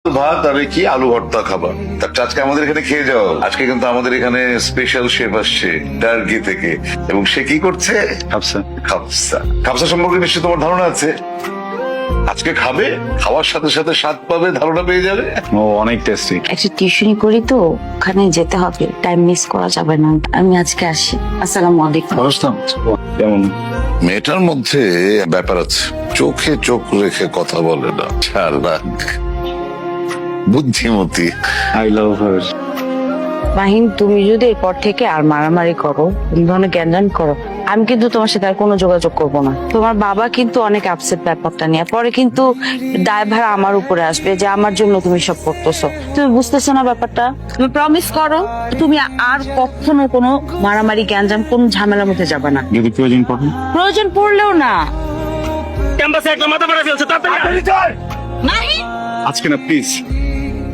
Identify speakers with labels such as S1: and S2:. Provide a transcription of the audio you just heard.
S1: ভাত আর কি আলু ভর্তা খাবার। আজকে আমাদের এখানে খেয়ে যাও। আজকে কিন্তু আমাদের এখানে স্পেশাল শেফ আসছে টার্কি থেকে, এবং সে কি করছে? খাবসা। খাবসা খাবসা সম্পর্কে নিশ্চয়ই তোমার ধারণা আছে। আজকে খাবে, খাওয়ার সাথে সাথে স্বাদ পাবে, ধারণা পেয়ে যাবে।
S2: ও অনেক টেস্টি।
S3: একটা টিউশনি করি তো, ওখানে যেতে হবে, টাইম মিস করা যাবে না। আমি আজকে আসি। আসসালামু আলাইকুম।
S2: কেমন?
S1: মেয়েটার মধ্যে ব্যাপার আছে, চোখে চোখ রেখে কথা বলে না, চালাক, বুদ্ধিমতী।
S2: আই লাভ হার।
S3: মাহিন, তুমি যদি এরপর থেকে আর মারামারি করো, এই ধরনের জ্ঞান করো, আমি কিন্তু তোমার সাথে আর কোনো যোগাযোগ করব না। তোমার বাবা কিন্তু অনেক আপসেট ব্যাপারটা নিয়ে, পরে কিন্তু দায়ভার আমার উপরে আসবে যে আমার জন্য তুমি সব করতেছো। তুমি বুঝতেছো না ব্যাপারটা? তুমি প্রমিস করো তুমি আর কখনো কোনো মারামারি জ্ঞান কোন ঝামেলার মধ্যে যাবে না।
S2: যদি প্রয়োজন পড়ে।
S3: প্রয়োজন পড়লেও না।
S4: ক্যাম্পাসে একটা মাথা মারা ফেলছে, তাড়াতাড়ি
S3: মাহিন,
S2: আজকে না প্লিজ।